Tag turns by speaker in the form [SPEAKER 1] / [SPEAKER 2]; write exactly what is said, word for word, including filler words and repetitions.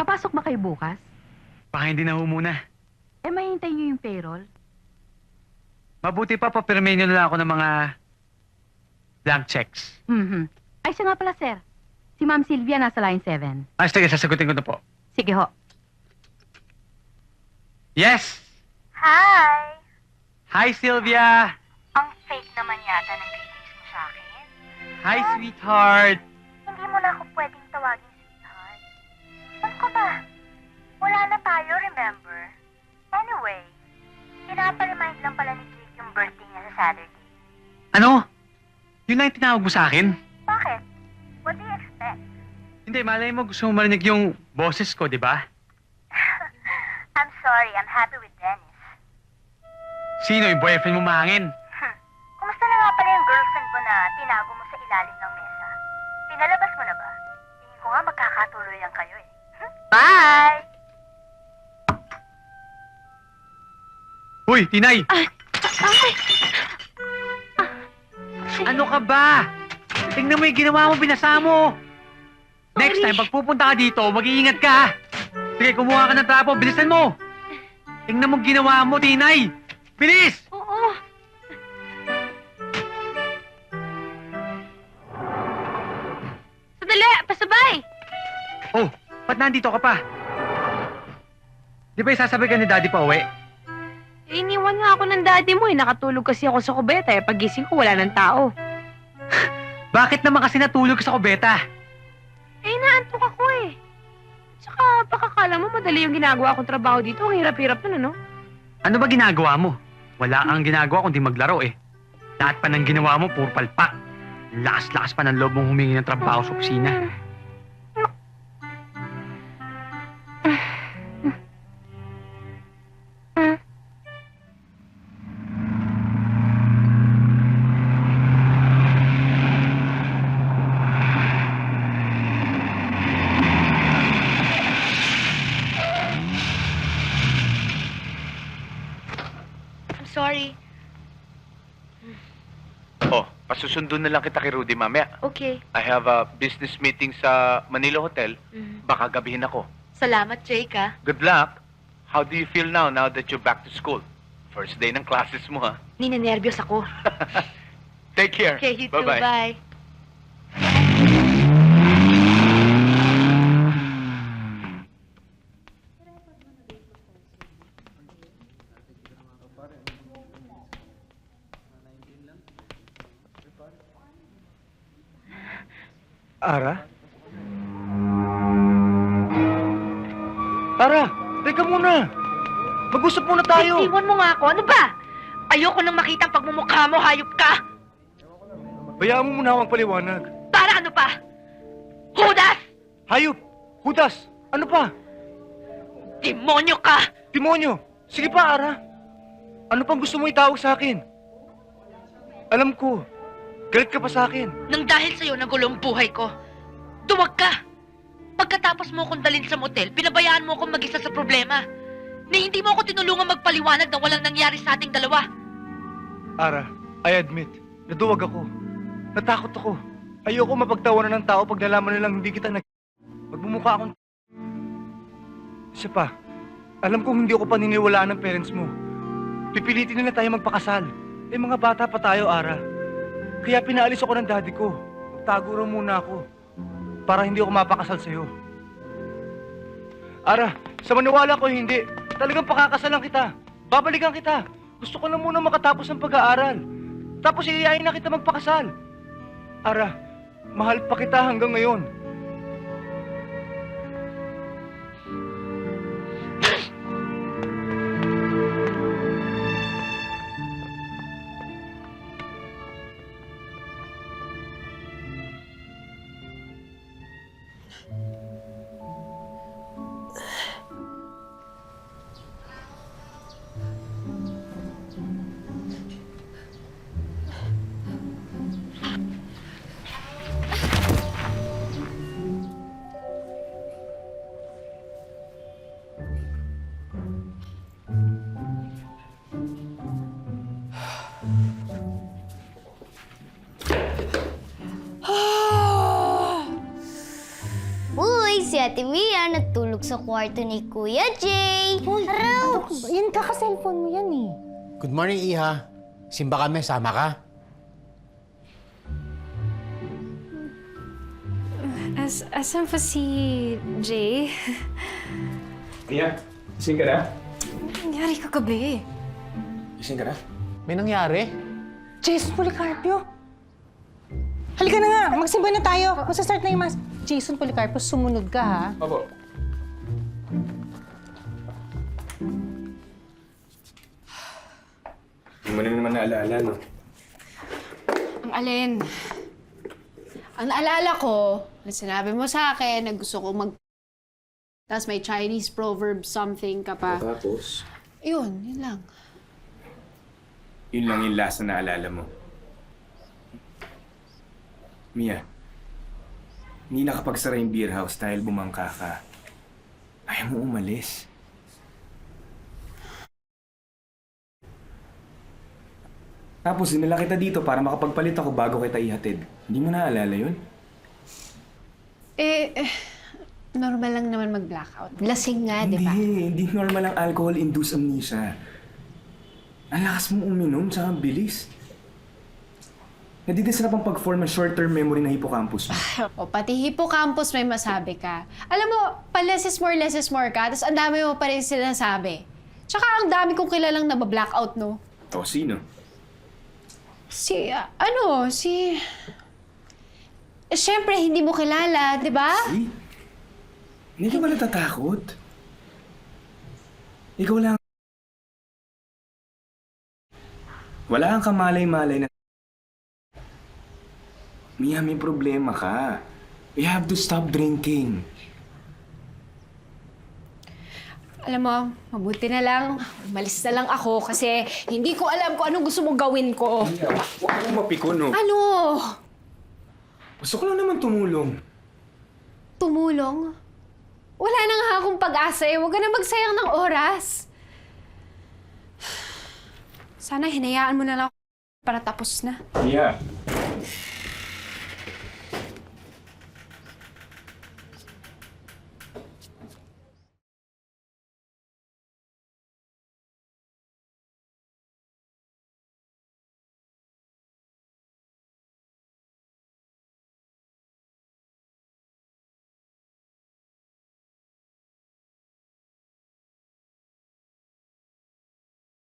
[SPEAKER 1] Papasok ba kayo bukas?
[SPEAKER 2] Baka hindi na ho muna.
[SPEAKER 1] Eh, mahintay niyo yung payroll?
[SPEAKER 2] Mabuti pa, papirmahin nyo na lang ako ng mga blank checks.
[SPEAKER 1] Mhm. Ay, siya nga pala, sir. Si Ma'am Sylvia nasa line seven.
[SPEAKER 2] Ah, sige, sasagutin ko na po.
[SPEAKER 1] Sige ho.
[SPEAKER 2] Yes!
[SPEAKER 3] Hi!
[SPEAKER 2] Hi, Sylvia!
[SPEAKER 3] Ang fake naman yata ng greetings mo sa akin.
[SPEAKER 2] Hi, sweetheart!
[SPEAKER 3] Hindi mo na ako pwedeng tawagin sweetheart. Ano ka ba? Wala na tayo, remember? Anyway, pinapa-remind lang pala ni Jake yung birthday niya sa Saturday.
[SPEAKER 2] Ano? Yun lang yung tinawag mo sa akin?
[SPEAKER 3] Bakit? What do you expect?
[SPEAKER 2] Hindi, malay mo gusto mo marinig yung boses ko, di ba?
[SPEAKER 3] I'm sorry, I'm happy with Dennis.
[SPEAKER 2] Sino yung boyfriend mo mahangin?
[SPEAKER 3] Hmm. Kumusta na nga pala yung girlfriend mo na tinago mo sa ilalim ng mesa? Pinalabas mo na ba? Tingin ko nga magkakatuloyan kayo eh. Hmm? Bye!
[SPEAKER 2] Uy, Tinay!
[SPEAKER 1] Ay! Ay!
[SPEAKER 2] Ano ka ba? Tingnan mo yung ginawa mo, binasa mo! Next
[SPEAKER 1] Sorry.
[SPEAKER 2] time, pag pupunta ka dito, mag-iingat ka! Sige, kumuha ka ng trapo, bilisan mo! Tingnan mo ginawa mo, Tinay! Bilis!
[SPEAKER 1] Oo. Sandali! Pasabay!
[SPEAKER 2] Oh, ba't nandito ka pa? Di ba isasabay ka ni Daddy pa uwi?
[SPEAKER 1] Eh, iniwan nga ako ng daddy mo eh. Nakatulog kasi ako sa kubeta eh. Pagising ko, wala ng tao.
[SPEAKER 2] Bakit naman kasi natulog ka sa kubeta?
[SPEAKER 1] Eh, naantok ako eh. Tsaka, baka kala mo madali yung ginagawa kong trabaho dito. Ang hirap-hirap nun, ano?
[SPEAKER 2] Ano ba ginagawa mo? Wala kang ginagawa kundi maglaro eh. Lahat pa ng ginawa mo, puro palpak. Lakas-lakas pa ng loob mong humingi ng trabaho sa opisina.
[SPEAKER 1] I'm sorry.
[SPEAKER 4] Oh, pasusundo na lang kita kay Rudy mamaya.
[SPEAKER 1] Okay.
[SPEAKER 4] I have a business meeting sa Manila Hotel. Baka gabihin ako.
[SPEAKER 1] Salamat, Jake, ah.
[SPEAKER 4] Good luck. How do you feel now, now that you're back to school? First day ng classes mo, ha?
[SPEAKER 1] Ninenervyos ako.
[SPEAKER 4] Take care.
[SPEAKER 1] Okay, you too.
[SPEAKER 4] Bye-bye.
[SPEAKER 1] Bye.
[SPEAKER 2] Ara? Ara, teka muna. Mag-usap muna tayo.
[SPEAKER 1] Iwan mo nga ako. Ano ba? Ayoko nang makita ang pagmumukha mo. Hayop ka.
[SPEAKER 5] Bayaan mo muna akong paliwanag.
[SPEAKER 1] Para ano pa? Judas!
[SPEAKER 5] Hayop! Hudas! Ano pa?
[SPEAKER 1] Demonyo ka!
[SPEAKER 5] Demonyo! Sige pa, Ara. Ano pang gusto mo itawag sa akin? Alam ko, galit ka pa sa akin.
[SPEAKER 6] Nang dahil sa'yo nagulo ang buhay ko, duwag ka! Pagkatapos mo akong dalhin sa motel, pinabayaan mo akong mag-isa sa problema. Ni hindi mo ako tinulungan magpaliwanag na walang nangyari sa ating dalawa.
[SPEAKER 5] Ara, I admit, naduwag ako. Natakot ako. Ayoko mapagtawanan ng tao pag nalaman nilang hindi kita nag... Magmumukha akong... Isa pa, alam kong hindi ako paniniwalaan ng parents mo. Pipilitin nila tayo magpakasal. Eh, mga bata pa tayo, Ara. Kaya pinaalis ako ng daddy ko. Tago raw muna ako. Para hindi ako mapakasal sa'yo. Ara, sa maniwala ko hindi. Talagang pakakasalan kita. Babalikan kita. Gusto ko na muna makatapos ng pag-aaral. Tapos iiyayin na kita magpakasal. Ara, mahal pa kita hanggang ngayon.
[SPEAKER 3] Ate Mia natulog sa kwarto ni Kuya Jay.
[SPEAKER 7] Uy, ano ka ba? Yan kaka-cellphone mo yan eh.
[SPEAKER 8] Good morning, Iha. Simba kami, sama ka?
[SPEAKER 1] As, asan pa si Jay?
[SPEAKER 9] Iya, gising ka na?
[SPEAKER 1] Nangyari kagabi.
[SPEAKER 9] Gising ka na?
[SPEAKER 8] May nangyari?
[SPEAKER 7] Jason Policarpio. Halika na nga, magsimba na tayo. Masastart na yung mas... Jason Policarpio, sumunod ka ha.
[SPEAKER 9] Opo. Hindi mo na naman naalaala, no?
[SPEAKER 1] Ang alin? Ang naalala ko, na sinabi mo sa akin na gusto ko mag... Tapos may Chinese proverb something ka pa.
[SPEAKER 9] Tapos?
[SPEAKER 1] Yun, yun lang.
[SPEAKER 9] Yun lang yung last na naalala mo. Mia, hindi nakapagsara yung beer house dahil bumangka ka. Ayaw mo umalis. Tapos dinala kita dito para makapagpalit ako bago kita ihatid. Hindi mo naalala yun?
[SPEAKER 1] Eh, eh, normal lang naman mag-blackout. Lasing nga, di ba?
[SPEAKER 9] Hindi, hindi normal ang alcohol-induced amnesia. Ang lakas mong uminom, tsaka bilis. Nadidisrupt ang pag-form ng short-term memory ng hippocampus mo.
[SPEAKER 1] O pati hippocampus may masabi ka. Alam mo, pa less is more, less is more ka, tapos ang dami mo pa rin sinasabi. Tsaka ang dami kong kilalang nabablackout, no?
[SPEAKER 9] O, sino?
[SPEAKER 1] Si, ah, ano, si... Eh, Siyempre, hindi mo kilala, di ba?
[SPEAKER 9] Si? Hindi ka ba natatakot? Ikaw lang. Wala kang kamalay-malay na... Mia, may problema ka. We have to stop drinking.
[SPEAKER 1] Alam mo, mabuti na lang. Umalis na lang ako kasi hindi ko alam kung anong gusto mong gawin ko.
[SPEAKER 9] Mia, huwag mo mapikon, no?
[SPEAKER 1] Ano?
[SPEAKER 9] Gusto ko lang naman tumulong.
[SPEAKER 1] Tumulong? Wala na nga akong pag-asa eh. Huwag ka na magsayang ng oras. Sana hinayaan mo na lang ako para tapos na.
[SPEAKER 9] Mia,